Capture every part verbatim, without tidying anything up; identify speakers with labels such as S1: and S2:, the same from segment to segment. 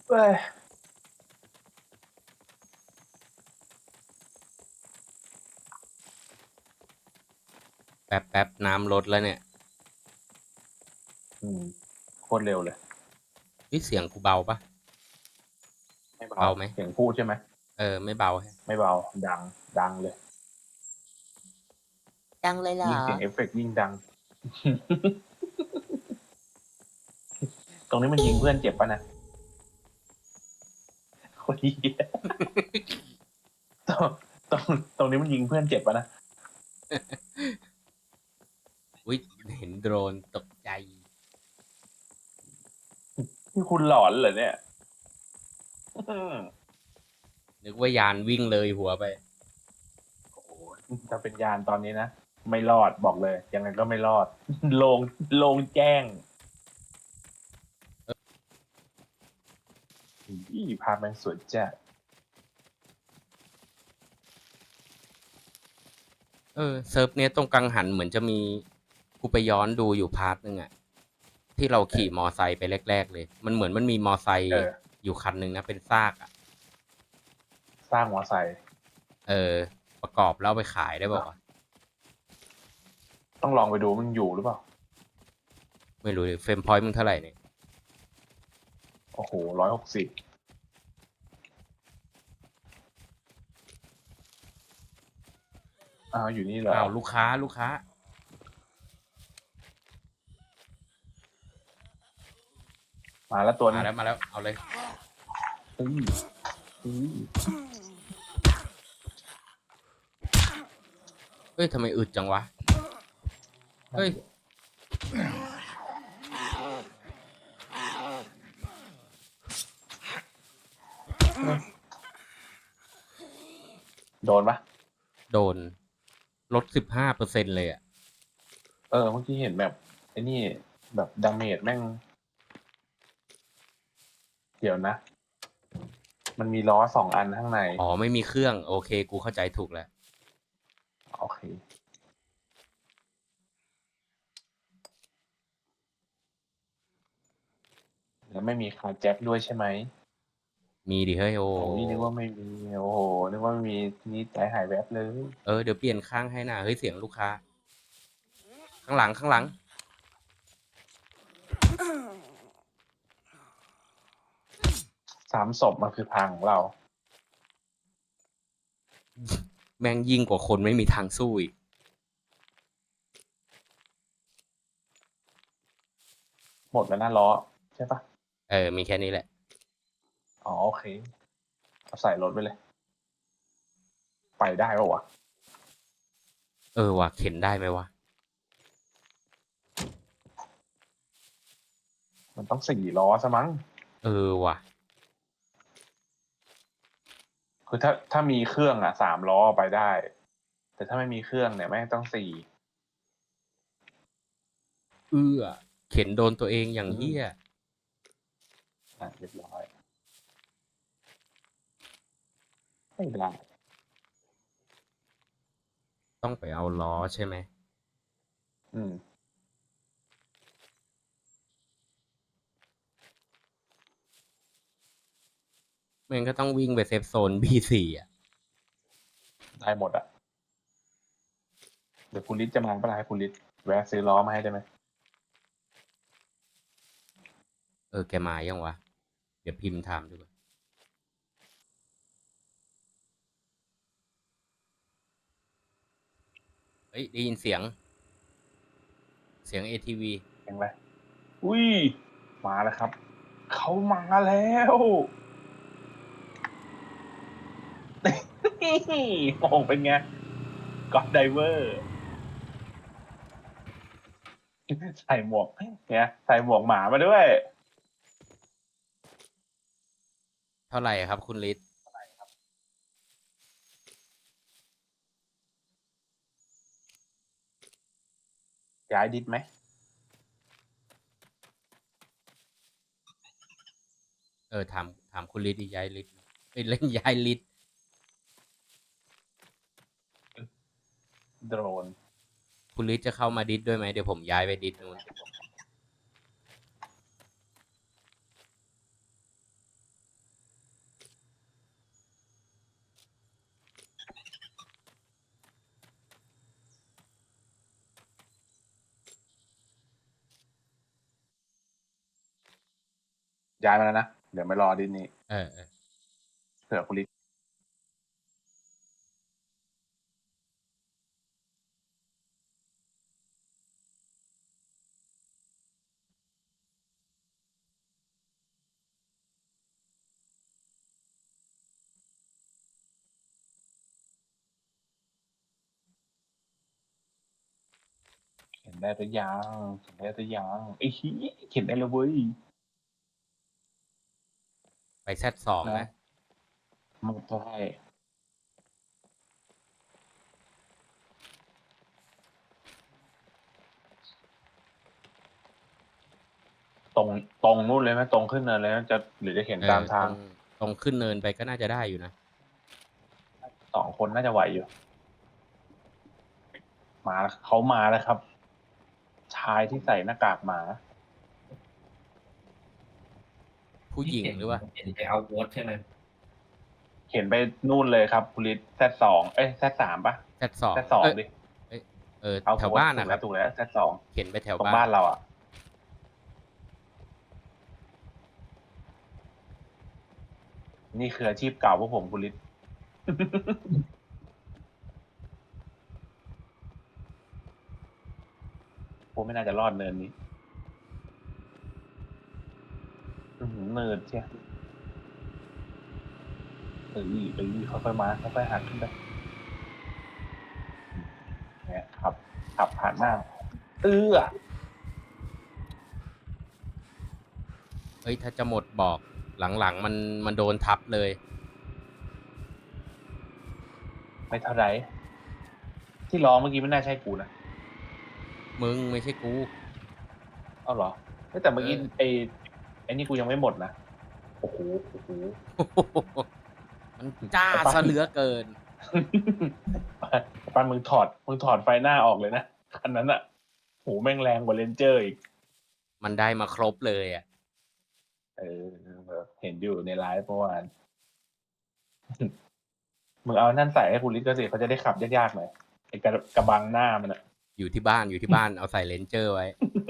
S1: เอ้ย
S2: แป๊บแป๊บน้ำลดแล้วเนี่ย
S1: อืมโคตรเร็วเลย
S2: นี่เสียงกูเบาปะ
S1: ไม่เบา
S2: เบาไหม
S1: เสียงพูดใช่ไหม
S2: เออไม่เบาแฮะ
S1: ไม่เบาดังดังเลย
S3: ดังเลยเหรอ
S1: ยิ่งเสียงเอฟเฟกต์ยิ่งดัง ตรงนี้มันยิงเพื่อนเจ็บปะนะโคตรเหี้ยตรงตรงตรงนี้มันยิงเพื่อนเจ็บปะนะ
S2: อุ้ยเห็นโดรนตกใจ
S1: ที่คุณหลอนเหรอเนี่ยอืม
S2: นึกว่ายานวิ่งเลยหัวไป
S1: โอ้โหถ้าเป็นยานตอนนี้นะไม่รอดบอกเลยยังไงก็ไม่รอด ลงลงแจ้งอีภาพแม่งสวยจัด
S2: เออเซิร์ฟเนี้ยตรงกังหันเหมือนจะมีกูไปย้อนดูอยู่พาร์ทนึงอะที่เราขี่มอไซค์ไปแรกๆเลยมันเหมือนมันมีมอไซค์
S1: เออ
S2: อยู่คันหนึ่งนะเป็นซากอะ
S1: สร้างมอไซค์
S2: เออประกอบแล้วเอาไปขายได้บอกว่าวะ
S1: ต้องลองไปดูมันอยู่หรือเปล่า
S2: ไม่รู้เฟรมพอยต์มึงเท่าไหร่เนี่ย
S1: โอ้โหร้อยหกสิบอ้าวอยู่นี่เหรอ
S2: อ้าวลูกค้าลูกค้า
S1: มาแล้วตัวนึ
S2: มาง แล้วมาแล้วเอาเลย
S1: อืมอืม
S2: เฮ้ยทำไมอึดจังวะเฮ้ย
S1: โดนปะ
S2: โดนลดสิบห้าเปอร์เซ็นเลยอะ
S1: เออเมื่อกี้เห็นแบบไอ้นี่แบบดาเมจแม่ง เดี๋ยวนะ มันมีล้อสองอันข้างใน
S2: อ๋อไม่มีเครื่องโอเคกูเข้าใจถูกแล้ว
S1: โอเค แล้วไม่มีคาร์แจ็คด้วยใช่ไหม
S2: มีดิเฮ้ยโอ้
S1: โอ้ยนึกว่าไม่มี โอ้โห นึกว่าไม่มีนี่ใจหายแวบเลย
S2: เออเดี๋ยวเปลี่ยนข้างให้นะเฮ้ยเสียงลูกค้า ข้างหลังข้างหลัง
S1: สามศพมันคือทางของเรา
S2: แม่งยิ่งกว่าคนไม่มีทางสู้อีก
S1: หมดแล้วนะล้อ ใช่ปะ
S2: เออมีแค่นี้แหละ
S1: อ๋อโอเค เอาใส่รถไปเลย ไปได้ปะวะ
S2: เออว่ะเข็นได้ไหมวะ
S1: มันต้องสี่ล้อซะมั้ง
S2: เออว่ะ
S1: คือถ้าถ้ามีเครื่องอ่ะสามล้อไปได้ แต่ถ้าไม่มีเครื่องเนี่ยแม่งต้องสี่
S2: เอื้อเข็นโดนตัวเองอย่าง
S1: อืม
S2: เหี้ย
S1: อ่ะเรียบร้อย ไม่ได้
S2: ต้องไปเอาล้อใช่ไหม
S1: อืม
S2: แม่งก็ต้องวิ่งไปเซฟโซน บี สี่ อ่ะ
S1: ได้หมดอ่ะ เดี๋ยวคุณลิศจะมาเมื่อไหร่ให้คุณลิศแวะซื้อล้อมาให้ได้ไหม
S2: เออแกมายังวะ เดี๋ยวพิมพ์ถามดูก่อนเฮ้ยได้ยินเสียง เสียง เอ ที วี
S1: เห็นไหมอุ้ย มาแล้วครับ เขามาแล้วนี่โอ้โหเป็นไงก็อดไดเวอร์ใส่หมวกเนี่ยใส่หมวกหมามาด้วย
S2: เท่าไหร่ครับคุณฤทธิ์
S1: ย้ายดิสไหม
S2: เออถามถามคุณฤทธิ์ดิย้ายฤทธิ์เอ้ยเล่นย้ายฤทธิ์
S1: โดรน
S2: คุณฤทธิ์จะเข้ามาดิสด้วยไหมเดี๋ยวผมย้ายไปดิสนู้น
S1: ย้ายมาแล้วนะ เดี๋ยวไม่รอดิสนี้
S2: เออเออ
S1: เผื่อคุณลิศเขียนได้หรือยังเขียนได้หรือยังไอ้ชี้ยเขียนได้แล้วเว้ย
S2: ไปแซดสอง
S1: นะ
S2: นะ
S1: มันใช่ตรงตรงนู่นเลยไหมตรงขึ้นเนินเลยไหมจะหรือจะเขียน
S2: เอ
S1: ตา
S2: อ
S1: ม
S2: ต
S1: ทา
S2: รง งตรงขึ้นเนินไปก็น่าจะได้อยู่นะ
S1: สองคนน่าจะไหวอยู่ มาเขามาแล้วครับ ชายที่ใส่หน้ากากหมา
S2: ผู้หญิงหรือว่า
S3: เห็นไปเอาโวตใช่ไหม
S1: เขียนไปนู่นเลยครับคุณลิศแซดสองเอ้ยแซดสามปะ
S2: แซดสอง
S1: แซดสอง
S2: เอ้ย
S1: ดิ
S2: เออ
S1: เอา
S2: แถวบ้านนะครับ
S1: ถูกแล้วแซดสอง
S2: เขียนไปแถว
S1: ตรง
S2: บ้า
S1: บ้าน นเราอ่ะ นี่คืออาชีพเก่าพวกผมคุณลิศ ผมไม่น่าจะรอดเนินนี้ อื้อหือเนินเชียเออเออค่อยๆมาค่อยๆหักขึ้นไปเนี่ยขับขับผ่านหน้า เอื้อ
S2: เฮ้ย ถ้าจะหมดบอกหลังๆมันมันโดนทับเลย
S1: ไม่เท่าไรที่ร้องเมื่อกี้ไม่น่าใช่กูนะ
S2: มึงไม่ใช่กู
S1: เอาเหรอเฮ้ยแต่เมื่อกี้
S2: เออ
S1: ไอ้ไอ้นี่กูยังไม่หมดนะโอ้โหโอ้โห
S2: มันจ้าซะเหลือเกิน
S1: ปันมึงถอดมึงถอดไฟหน้าออกเลยนะคันนั้นอะโหแม่งแรงกว่าเลนเจอร์อีก
S2: มันได้มาครบเลยอ่ะ
S1: เออเห็นอยู่ในไลฟ์เมื่อวาน มึงเอานั่นใส่ให้คุณลิศก็สิเขาจะได้ขับยากๆหน่อยไอ้กระกระบังหน้ามันอะ
S2: อยู่ที่บ้านอยู่ที่บ้าน เอาใส่เลนเจอร์ไว้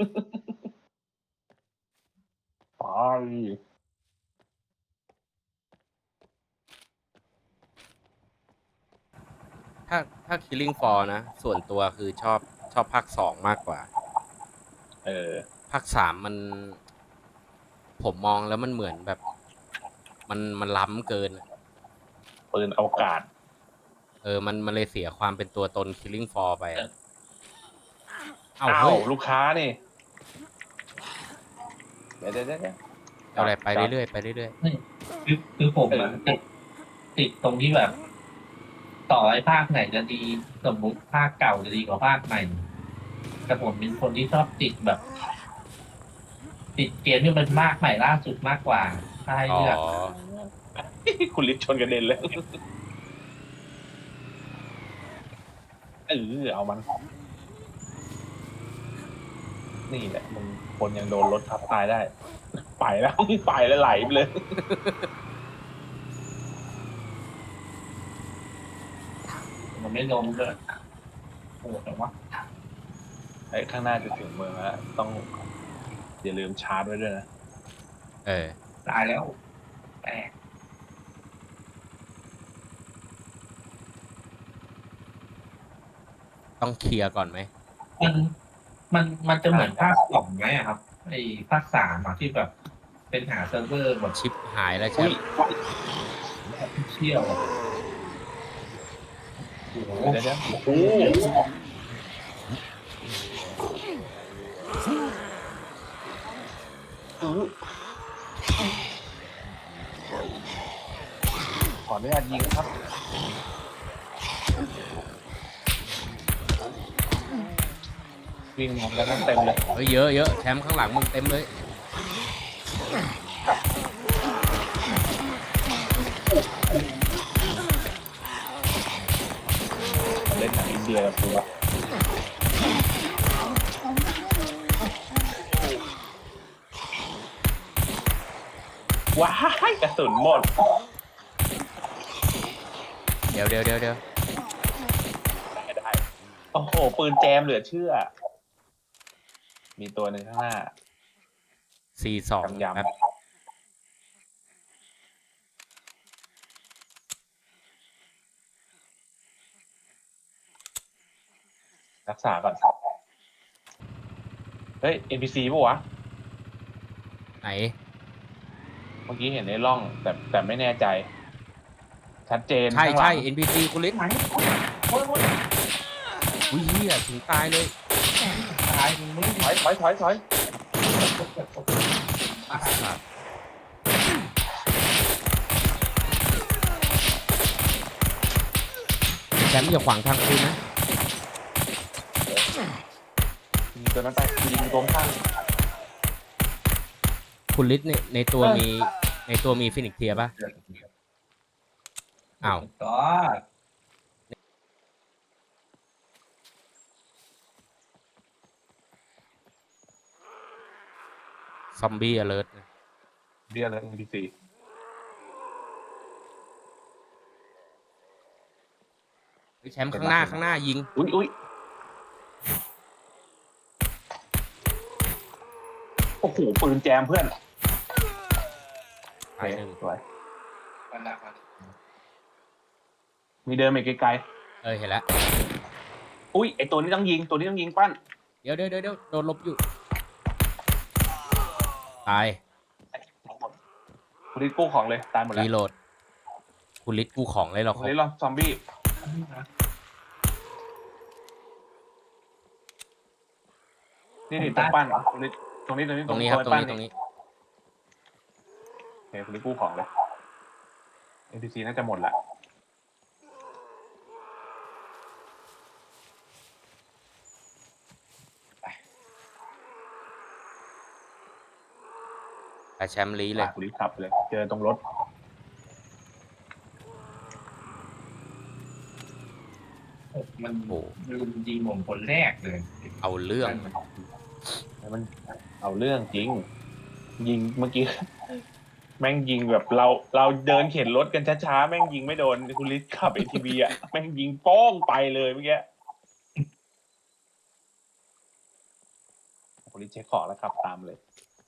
S1: ไป
S2: ถ้าถ้า Killing Floor นะ ส่วนตัวคือชอบชอบภาคสองมากกว่า
S1: เออ
S2: ภาคสามมัน ผมมองแล้วมันเหมือนแบบ มันมันล้ำเกินอะ
S1: ปืนอวกาศ
S2: เออ มันมันเลยเสียความเป็นตัวตน Killing Floor ไปอะเอา
S1: อ้า
S2: เฮ้
S1: วย ลูกค้านี่ เดี๋ยวเดี๋ยวเดี๋ยว
S2: เอาอะไรไปเรื่อยๆไปเรื่อย
S3: คือคือผมอะติดติดตรงที่แบบ ต่อไอ้ภาคไหนจะดี สมมุติภาคเก่าจะดีกว่าภาคใหม่ แต่ผมเป็นคนที่ชอบติดแบบ ติดเกมที่มันมากใหม่ล่าสุดมากกว่า ถ้าให้
S2: ๆอ๋อ
S3: เลือก
S1: คุณลิศชนกระเด็นเลยเออเอามัน นี่แหละมึงคนยังโดนรถทับตายได้ ไปแล้วไปแล้วไหลไปเลย
S3: มันไม่ลงเลยโอ้แต่ว่า
S1: ไอ้ข้างหน้าจะถึงเมืองแล้วต้องอย่าลืมชาร์จไว้ด้วยนะ
S2: เออ
S3: ตายแล้วแต่
S2: ต้องเคลียร์ก่อนไหม
S3: มันมันมันจะเหมือนภาคสองไหมอะครับไอ้ภาคสามอะที่แบบ เป็นหาเซิร์ฟเวอร์แบบ
S2: ชิปหายแล้วใช่
S1: อุ้ย
S3: เที่ยวอะโอ้โห
S1: เดี๋ยวเดี๋ยวโอ้โหอื้อขออนุญาตยิงครับ วิ่งมองกันเต็มเลย
S2: เฮ้ยเยอะเยอะแชมป์ข้างหลังมึงเต็มเลย
S1: เล่นหนังอินเดียกับกูอะว้ายกระสุนหมด
S2: เดี๋ยวเดี๋ยวเดี๋ยวเดี๋ยว
S1: ได้ได้โอ้โห ปืนแจมเหลือเชื่อ มีตัวหนึ่งข้างหน้า
S2: สี่สอง
S1: ยำ
S2: ครับ
S1: ๆรักษาก่อนเฮ้ย เอ็น พี ซี ป่ะวะ
S2: ไหน
S1: เมื่อกี้เห็นในร่อง แต่แต่ไม่แน่ใจ ชัดเจน
S2: ใช่
S1: ข้างห
S2: ใช่
S1: ลัง
S2: เอ็น พี ซี คุณลิศ
S3: ไหนโอ้ยโอ้ย
S2: อุ้ยเหี้ยถึงตายเลย
S3: ตายมึงไม่
S1: ถอยถอยถอยถอย
S2: ไอ้สัตว์แชมป์อย่าขวางทางคุณนะ
S1: ยิงตัวนั้นไปยิงตรงข้าง
S2: คุณลิศในในตัว
S1: เออ
S2: มีในตัวมีฟินิกเทียป่ะ อ้าว
S3: ก็
S2: ซอมบี้อเลิร์
S1: เรียกเลย เอ็น พี ซี
S2: แชมป์ข้างหน้าข้างหน้ายิง
S1: อุ้ยอุ้ยโอ้โหปืนแจมเพื่อน
S2: ตายหนึ่ง
S1: สวย
S3: มันดักมัน
S1: มีเดินไปไกล
S2: เออเห็นแล้ว
S1: ๆอุ้ยไอตัวนี้ต้องยิงตัวนี้ต้องยิงปั้น
S2: เดี๋ยวเดี๋ยวเดี๋ยวเดี๋ยวโดนลบอยู่ ตาย
S1: คุณลิศกู้ของเลยตายหมดแล้ว
S2: รีโหลด คุณลิศกูของเลยเหรา
S1: คุณลิศลองซอมบี้นี่นี่ตรงปั้นคุณลิศตรงนี้ตรงนี้
S2: ตรงนี้ครับ ตรง
S1: ปั้
S2: นี้ตรงนี้
S1: โอเคคุณลิศกู้ของเลย เอ็น พี ซี น่าจะหมดละ
S2: แต่แชมป์ลีเลย
S1: คุณลิศขับไปเลย เจอตรงรถ
S3: มัน
S2: โอ้
S3: ลุมยิงผมคนแรกเลย
S2: เอาเรื่อง
S1: มันเอาเรื่องจริง ยิงเมื่อกี้ แม่งยิงแบบเราเราเดินเข็นรถกันช้าๆแม่งยิงไม่โดนคุณลิศขับ เอ ที วี อ่ะแม่งยิงโป้งไปเลยเมื่อกี้คุณลิศเช็คของแล้วขับตามเลย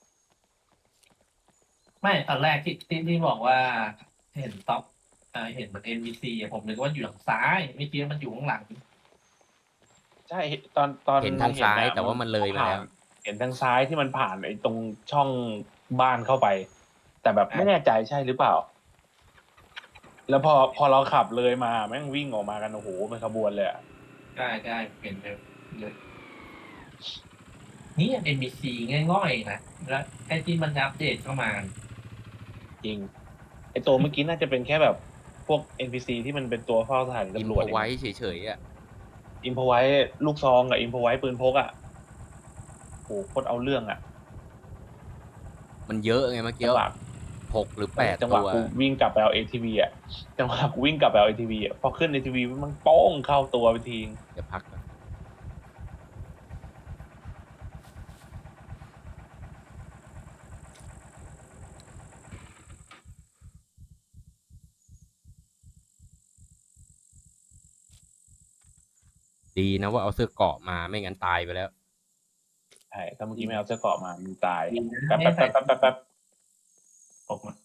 S3: ไม่ตอนแรกที่ที่ที่บอกว่าเห็นต็อปอ่าเห็นเหมือน เอ็น บี ซี อะผมนึกว่าอยู่หลังซ้ายไม่คิดว่ามันอยู่ข้างหลัง
S1: ใช่ตอนตอน
S2: เห็นทางซ้าย
S1: อะ
S2: แต่ว่ามันเลยมาแล้ว
S1: ผ่นเห็นทางซ้ายที่มันผ่านไอ้ตรงช่องบ้านเข้าไป แต่แบบไม่แน่ใจใช่หรือเปล่า แล้วพอพอเราขับเลยมาแม่งวิ่งออกมากันโอ้โหเป็นขบวนเลยอะ
S3: ใช่ใช่เห็นเลยเลยนี่ เอ็น บี ซี ง่อยๆนะแล้วไอ้ที่มันอัปเดตเข้ามา
S1: จริงไอ้ตัวเมื่อกี้น่าจะเป็นแค่แบบพวก เอ็น พี ซี ที่มันเป็นตัวเฝ้าสถานี
S2: อิน
S1: ตำร
S2: พ
S1: วจ
S2: ไว้เฉยๆอ่ะ
S1: อินพไว้ลูกซองกับอินพไว้ปืนพกอ่ะโหโคตรเอาเรื่องอ่ะ
S2: มันเยอะไงเมื่อกี้
S1: จังหวะ
S2: หกหรือแปด
S1: จังหวะ
S2: ตัว
S1: กูวิ่งกลับไปเอา เอ ที วี อ่ะจังหวะกูวิ่งกลับไปเอา เอ ที วี อ่ะพอขึ้น เอ ที วี มันโป้งเข้าตัวไปที
S2: เดี๋ยวพักก่อนดีนะว่าเอาเสื้อเกราะมาไม่งั้นตายไปแล้ว
S1: ใช่ถ้าเมื่อกี้ไม่เอาเสื้อเกราะมามึงตาย
S3: ดีนะ
S1: แป๊บ
S3: ไม่
S1: แป๊บ
S3: ใส่
S1: แป๊บแป๊บแป๊บ
S3: ผมอะ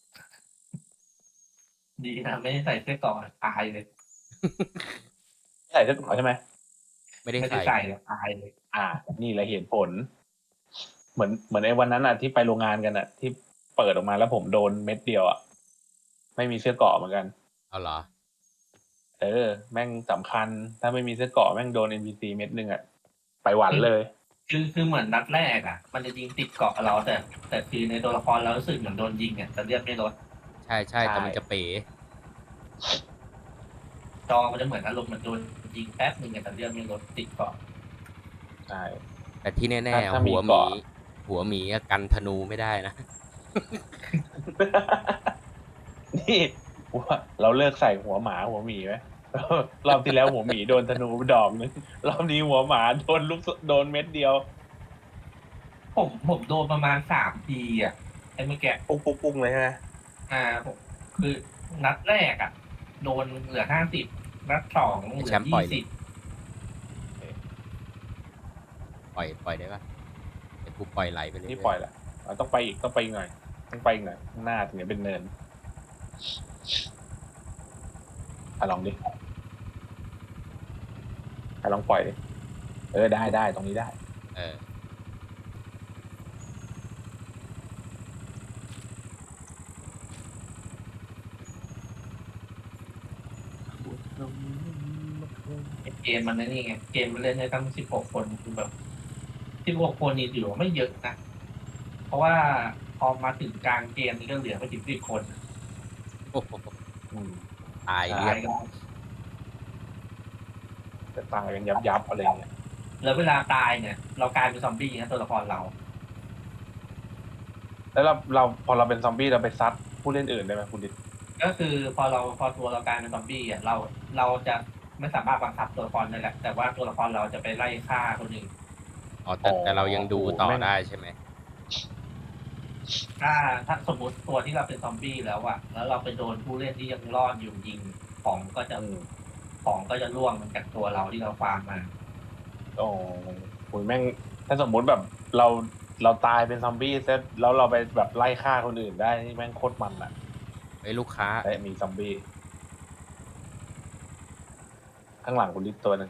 S3: ดีนะไม่ได้ใส่เสื้อเกราะตายเลย
S1: ใส่เสื้อเกราะใช่ไหม
S2: ไม่ได้
S3: ไม่ได้
S2: ใส่
S3: ใส่เลยตายเลย
S1: อ่า นี่แหละเหตุผล เหมือนเหมือนไอ้วันนั้นอ่ะที่ไปโรงงานกันอ่ะ ที่เปิดออกมาแล้วผมโดนเม็ดเดียวอ่ะไม่มีเสื้อเกราะเหมือนกัน
S2: เอาเหรอ
S1: เออ แม่งสำคัญ ถ้าไม่มีเสื้อเกราะแม่งโดน เอ็น พี ซี เม็ดหนึ่งอ่ะไปหวันเลย
S3: คือคือเหมือนนัดแรกอ่ะ มันจะยิงติดเกาะเราแต่ แต่คือในตัวละครเรารู้สึกเหมือนโดนยิงอ่ะแต่เลือดไม่ลด
S2: ใช่ใช่แต่
S1: ใช่
S2: มันจะเป๋
S3: จอมันจะเหมือนอารมณ์เหมันโดนยิงแป๊บหนึ่งอะแต่เลือดไม่ลดติดเกาะ
S1: ใช่
S2: แต่ที่แน่
S1: ถ้าถ้า
S2: ๆ
S1: มี
S2: หัวหมี
S1: เกาะ
S2: หัวหมีอะกันธนูไม่ได้นะ
S1: นี่ว่าเราเลิกใส่หัวหมาหัวหมีไหม รอบที่แล้วหัวหมีโดนธนูไปดอกนึงรอบนี้หัวหมาโดนลูกศโดนเม็ดเดียว
S3: ผมผมโดนประมาณสามทีอ่ะไอ้เมื่อกี้
S1: ปุ้งปุ้งปุ้งเลยใช่ไหม
S3: อ่าผมคือนัดแรกอ่ะ โดนเหลือห้าสิบนัดสองเหลื
S2: แช
S3: อ
S2: มป์ปล่อย
S3: ยี่
S2: ดิ
S3: สิบ
S2: ปล่อยปล่อยได้ปะเดี๋ยวกูปล่อยไหลไปเลย
S1: นี่ปล่อยละเราต้องไปอีกต้องไปอีกหน่อยต้องไปอีกหน่อยข้างหน้าถึงจะเป็นเนินอ่ะลองดิอ่ะลองปล่อยดิอได้ได้ตรงนี้ได้
S2: เออ
S3: เกมมันนี่ไงเกมมันเล่นได้ตั้งสิบหกคนคือแบบสิบหกคนนี่ถือว่าไม่เยอะนะเพราะว่าพอมาถึงกลางเกมนี่ก็เหลือไม่ถึงสิบคน
S2: โอ้โห
S1: อืม
S2: ตาย
S3: ตา
S2: เรีย
S3: ย
S2: บ
S3: กัน
S1: จะตายกันยับยับอะไรเงี้ย
S3: แล้วเวลาตายเนี่ย เรากลายเป็นซอมบี้นะตัวละครเรา
S1: แล้วเราเราพอเราเป็นซอมบี้เราไปซัดผู้เล่นอื่นได้ไหมคุณดิษ
S3: ก็คือพอเราพอตัวเรากลายเป็นซอมบี้อ่ะเราเราจะไม่สามารถบังคับตัวละครได้แหละแต่ว่าตัวละครเราจะไปไล่ฆ่าคนอื่น
S2: อ๋อแต่แต่เรายังดูต่อได้ใช่ไหม
S3: ถ้าถ้าสมมติตัวที่เราเป็นซอมบี้แล้วอะแล้วเราไปโดนผู้เล่นที่ยังรอดอยู่ยิงของก็จะ
S1: อืม
S3: ของก็จะร่วงจากตัวเราที่เราฟาร์มมา
S1: โอ้โหแม่งถ้าสมมุติแบบเราเราตายเป็นซอมบี้เสร็จแล้วเราไปแบบไล่ฆ่าคนอื่นได้นี่แม่งโคตรมันอ่ะ
S2: ไอ้ยลูกค้า
S1: แต่มีซอมบี้ข้างหลังคุณดิษตัวหนึง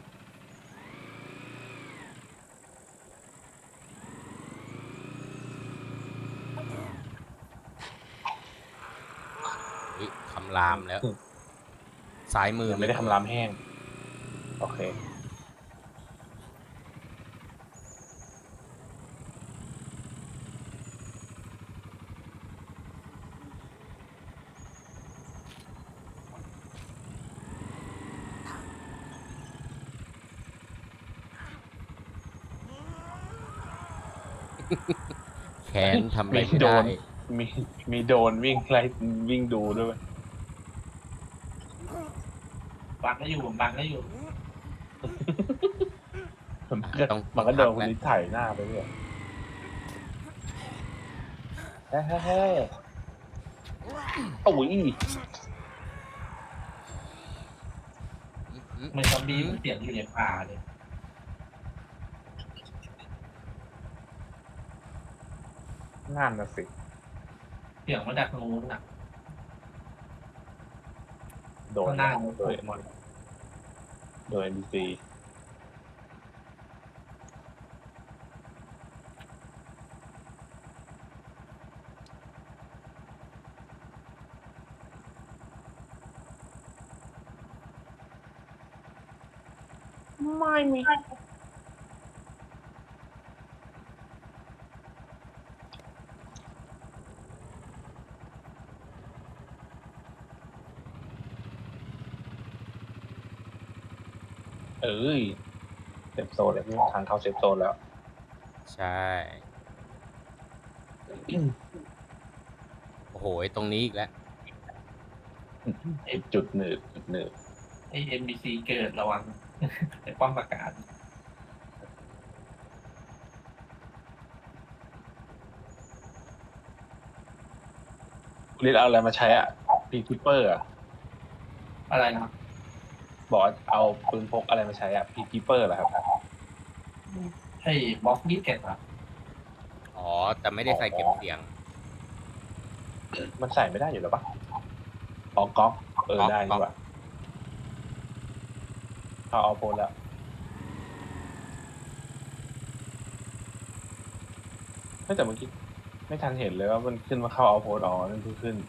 S2: อุ๊ยคำรามแล้ว ซ้ายมือ
S1: ยังไม่ได้ทำรามแห้ง โอเค
S2: แขนทำอะไร
S1: มี
S2: ไม่
S1: โด
S2: ได้
S1: น มีมีโดนวิ่งไล่วิ่งดูด้วย
S3: บังก็อยู่บังก็อยู่
S1: มันก็
S2: ต้อง
S1: มันก็
S2: ต้
S1: โด
S2: อง
S1: น
S2: พัก
S1: คุณ
S2: แล้ว
S1: ดิษถ่ายหน้าไปเรื่อยเฮ้ยเฮ้ยเฮ้ยโอ้ย
S3: เหมือนซอมบี้มันเสียงอยู่ในป่าเลย
S1: งานนะสิ
S3: เสียงมาจากตรงนู้นอ่ะ
S1: โดน
S3: ข้างหน้า
S1: โดย
S3: หมด
S1: โดย เอ็น พี ซี ไม่มี เอ้ยเซฟโซนแล้วทางเข้าเซฟโซนแล้ว
S2: ใช่ โอ้โหไอ้ตรงนี้อีกแล้ว
S1: ไอ้จุดหนืดจุดหนืด
S3: ไอ้ เอ็น บี ซี เกิดระวัง ไอ้ป้อมประกาศ
S1: คุณลิศเอาอะไรมาใช้อ่ะพีคิปเปอร์อ่ะ
S3: อะไรนะ
S1: บอกว่าเอาปืนพกอะไรมาใช้อ่ะพีคิปเปอร์เหรอครับ
S3: ไอ้บล็อกยี่สิบเอ็ดอ่ะ
S2: อ๋อ แต่ไม่ได้ใส่เก็บเสียง
S1: มันใส่ไม่ได้อยู่แล้วปะอ๋อก๊อกเออ
S2: ก๊อก
S1: ได้
S2: ก๊
S1: ดี
S2: อก
S1: กว่าเอาเอาโพลแล้วไม่แต่เมื่อกี้ไม่ทันเห็นเลยว่ามันขึ้นมาเข้าเอาโพลอ๋อนั่นเพิ่งขึ้น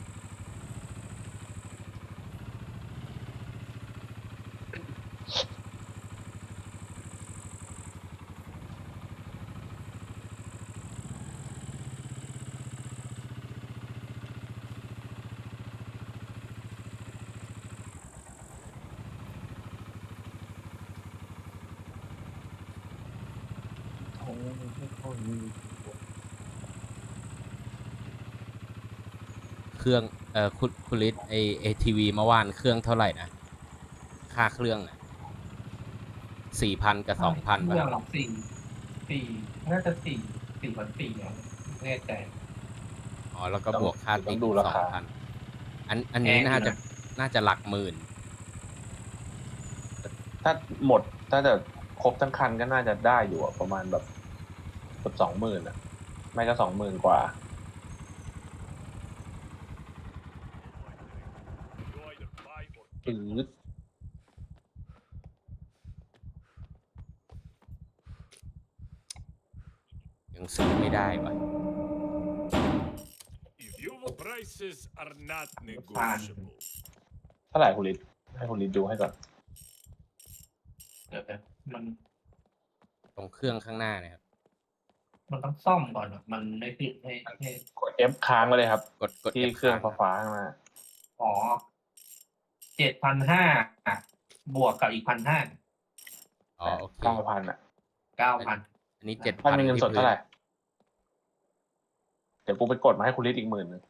S2: เครื่อง เอ่อ คุณคุณลิศไอไอทีวีเมื่อวานเครื่องเท่าไหร่นะ ค่าเครื่องอ่ะสี่พันกับสองพัน
S3: เรื่
S2: ป่ะ
S3: องสี่สี่น่าจะสี่สี่พันสี่เนี่ยไม่แน่ใจ
S2: อ๋อ แล้วก็บวกค่า
S1: ต้
S2: ติ๊
S1: อง
S2: ก
S1: ดู
S2: อีก
S1: รา
S2: สอง
S1: คา
S2: พัน อัน อันนี้
S3: แพงอยู่
S2: น่าจะ
S3: นะ
S2: น่าจะหลักหมื่น
S1: ถ้าหมดถ้าจะครบทั้งคันก็น่าจะได้อยู่อะประมาณแบบเกือบสองหมื่นอ่ะ ไม่ก็สองหมื่นกว่าปื๊ด
S2: ซื้อไม่ได้วะ
S4: If your prices are not negotiable,
S1: เท่าไหร่คุณลิศให้คุณลิศดูให้ก่อน
S3: เดี๋ยวนะมัน
S2: ตรงเครื่องข้างหน้าเนะครับ
S3: มันต้องซ่อมก่อนอะมันไม่ติดให้ให้
S1: กด F ค้างไว้เลยครับ
S2: กดกด
S1: ที่
S2: F
S1: เครื่อง
S2: ค้าง
S1: ฟ้าๆข้างหน้า
S3: อ๋อเจ็ดพันห้าบวกกับอีกพันห้า
S2: อ๋อโอเค
S1: เก้าพันอ่ะ
S3: เก้าพัน
S2: อันนี้เจ็ด
S1: ถ้า
S2: พัน
S1: มีเงิน
S2: ที่
S1: สด
S2: พื้
S1: เท่าไหร่ เดี๋ยวกูไปกดมาให้คุณลิศอีกหมื่นหนึง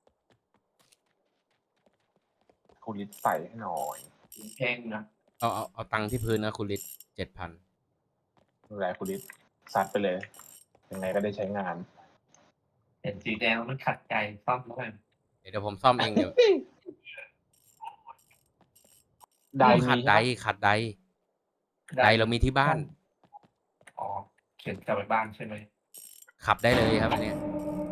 S1: คุณลิศใส่ให้หน่อย
S3: แพงนะ
S2: เอาเอาเอาตังค์ที่พื้นนะคุณลิศเจ็ดพัน
S1: ดูแลคุณลิศซัดไปเลย ยังไงก็ได้ใช้งาน
S3: เห็นสีแดงแล้วมันขัดใจซ่อมแล้วกัน
S2: เดี๋ยวเดี๋ยวผมซ่อมเองเดี๋ยว
S1: ได้
S2: ขัด
S1: มี
S2: ได
S1: ใช่ปะ
S2: ขัดไดไดเรามีที่บ้าน
S3: อ๋อเขียนกลับไปบ้านใช่ไหม
S2: ขับได้เลยครับอันเนี้ย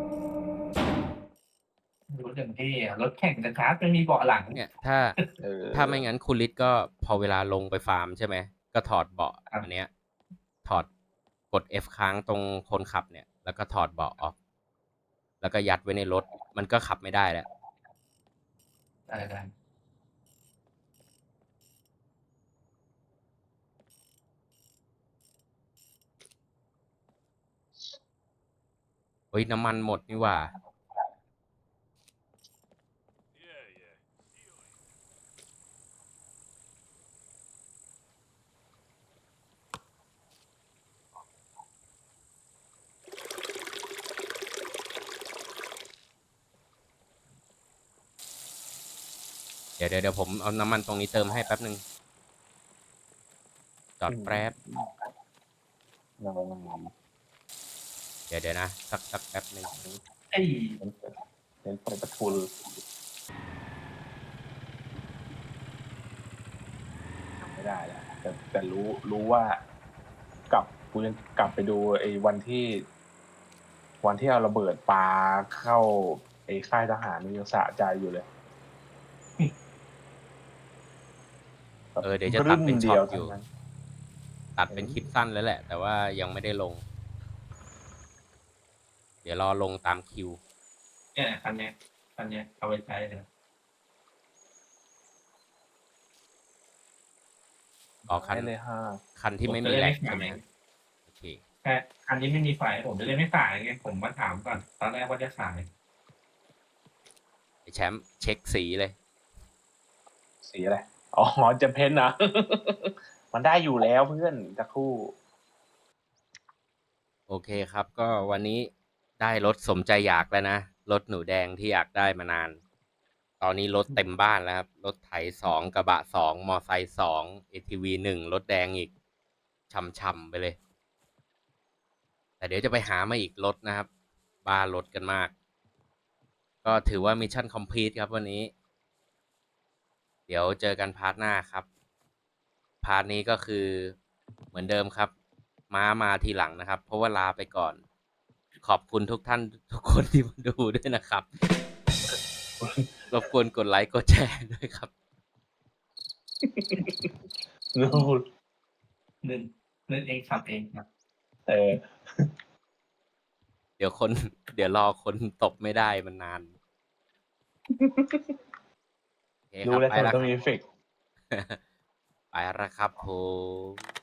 S3: รถอย่างที่อะรถแข่งนะครับไม่มีเบาะหลัง
S2: เนี่ยถ้า
S1: เออ
S2: ถ้าไม่งั้นคุณลิศก็พอเวลาลงไปฟาร์มใช่ไหมก็ถอดเบาะ
S3: ครับ
S2: อันเนี้ย ถอดกด F ค้างตรงคนขับเนี่ย แล้วก็ถอดเบาะออก แล้วก็ยัดไว้ในรถ มันก็ขับไม่ได้แล้ว
S3: ได้ได้
S2: เฮ้ยน้ำมันหมดนี่หว่า
S4: yeah, yeah.
S2: เดี๋ยวเดี๋ยวเดี๋ยวผมเอาน้ำมันตรงนี้เติมให้แป๊บหนึ่งจอดแป๊บ
S1: เงา
S2: เดี๋ยวเดี๋ยวนะ สักสักแป๊บหนึ่ง
S3: ไอ้ย
S1: เน้นเปิดประทุนทำไม่ได้แล้วแต่แต่รู้รู้ว่ากลับกูยังกลับไปดูไอ้วันที่ วันที่เอาระเบิดปาเข้าไอ้ค่ายทหารนี่ยังสะใจอยู่เลย
S2: เออเดี๋ยวจะตัดเป็นช็อตอยู่
S1: เท่านั้น
S2: ตัดเป็นคลิปสั้นแล้วแหละ แต่ว่ายังไม่ได้ลง เดี๋ยวรอลงตามคิว
S3: เนี่ยคันเนี้ยคันเนี้ยเอาไปใช้เลย
S2: อ๋อคัน
S1: ได้เลยฮะ
S2: คันที่ไม่มีแหลกใช่ไหมโอเค
S3: แค่คันนี้ไม่มีไฟผมจะได้ไม่ขายไงผมมาถามก่อนตอนแรกว่าจะขาย
S2: ไอแชมป์เช็คสีเลย
S1: สีอะไร อ๋อจะเพ้นท์นะ มันได้อยู่แล้วเพื่อนจะครู่
S2: โอเคครับ ก็วันนี้ได้รถสมใจอยากแล้วนะ รถหนูแดงที่อยากได้มานาน ตอนนี้รถเต็มบ้านแล้วครับ รถไถสองกระบะสองมอไซค์สองเอทีวีหนึ่งรถแดงอีกช่ำๆไปเลย แต่เดี๋ยวจะไปหามาอีกรถนะครับ บ้ารถกันมาก ก็ถือว่ามิชชั่นคอมพลีทครับวันนี้ เดี๋ยวเจอกันพาร์ทหน้าครับ พาร์ทนี้ก็คือเหมือนเดิมครับ ม้ามาทีหลังนะครับ เพราะว่าลาไปก่อน ขอบคุณทุกท่านทุกคนที่มาดูด้วยนะครับ รบกวนกดไลค์กดแชร์ด้วยครับ
S1: นู่น
S3: เล่นเล่นเองขับเองครับ
S1: เออ
S2: เดี๋ยวคน เดี๋ยวรอคนตบไม่ได้มันนานโอเคค
S1: รู้
S2: รับ
S1: แล้ว
S2: ไป
S1: ทำไม
S2: แล้ว
S1: ต้อง
S2: ค
S1: มี
S2: รับ
S1: เอฟเฟกต์
S2: ไปแล้วครับผม